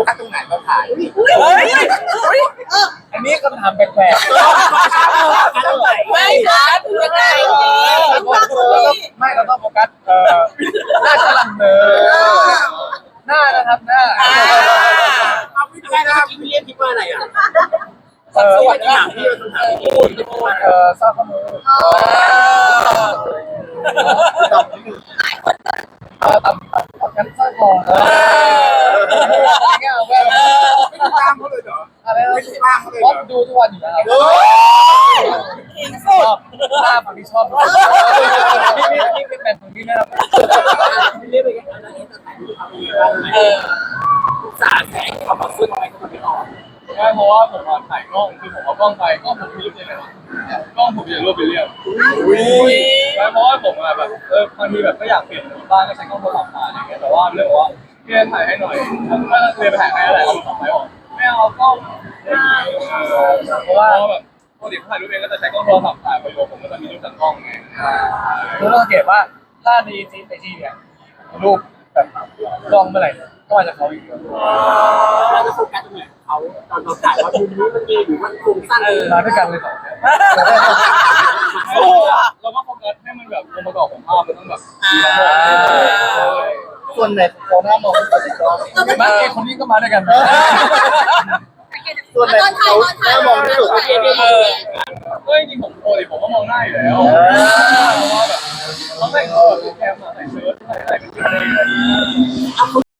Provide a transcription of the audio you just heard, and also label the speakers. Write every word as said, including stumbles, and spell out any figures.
Speaker 1: กัสตรงไหนเราถ่าย
Speaker 2: เฮ้ย
Speaker 3: อันนี้คำถามแปลกๆ
Speaker 2: ไม่ชัดยังไง
Speaker 3: ไม่เราต้องโฟกัสเอ่อหน้าฉลังเนอหน้านะครับหน้า
Speaker 1: เอาไม่ได้นะพี่เรียกคิดว่าอะไรอ่ะ
Speaker 3: เออ
Speaker 1: สวัสดีค่ะพี่คำถามที่พูด
Speaker 3: เออทราบข้อมูลตอบนิดนึงเออตอบตอบกันสร้อยคอเอออะไรเงี้ยแบบ
Speaker 1: ไม่ติดตามเขาเลยเหรอ
Speaker 3: อะไรนะ
Speaker 1: ไม่ติดตามเขาเลยเหร
Speaker 3: ก็
Speaker 1: อ
Speaker 3: ดูทุกวันอยู่แล้วชอบหน้าฝั่งที่ชอบนี่นี่นี่เป็นแบบฝั่งที่นะครับ
Speaker 1: เรียกไปกันนะนี่จะถ่ายรูปทำยังไงบ้างเออสาแสงเขามาขึ้นอะไรก็ไม่ออก
Speaker 3: ใช่เพราะว่าผมมาถ่ายกล้องคือผมเอากล้องไปกล้องผมมีรูปเลยนะกล้องผมอยากรูปไปเรียบใช่เพราะว่าผมอะแบบเออบางทีแบบก็อยากเปลี่ยนบ้างก็ใช้กล้องโทรศัพท์ถ่ายอะไรเงี้ยแต่ว่าเรื่องว่าพี่เล่นถ่ายให้หน่อยถ้าเลยไปถ่ายให้อะไรเอาต่อไปบอกไม่เอากล้องเพราะว่าแบบปกติถ่ายรูปเองก็จะใช้กล้องโทรศัพท์ถ่ายไปผมก็จะมีรูปจากกล้องไงคือเราสังเกตว่าถ้าในจีไอจีเนี่ยรูปแบบกล้องเมื่อไหร่ก็มาจากเขาอีก
Speaker 1: เราจะโฟกัสตรงไหนเขาตอนเราถ่ายว่ามุมนี้มันดีหรือมันโครงสั้นเลย
Speaker 3: มาด้วยกันเลยสองเนี่ยเราก็โฟกัสให้มันแบบองค์ประกอบของภาพมันต้องแบบส่วนไหนของหน้ามองที่สุดในกล้องบ้านเอคนนี้ก็มาด้วยกัน
Speaker 2: ส่วนไหนเขาหน้ามองที่สุด
Speaker 3: เออเฮ้ยจริงผมโอ้ยผมก็มองหน้าอยู่แล้วเพราะว่าแบบเขาใส่เขาแบบแคมมาใส่เชิ้ตใส่อะไรเป็นอะไร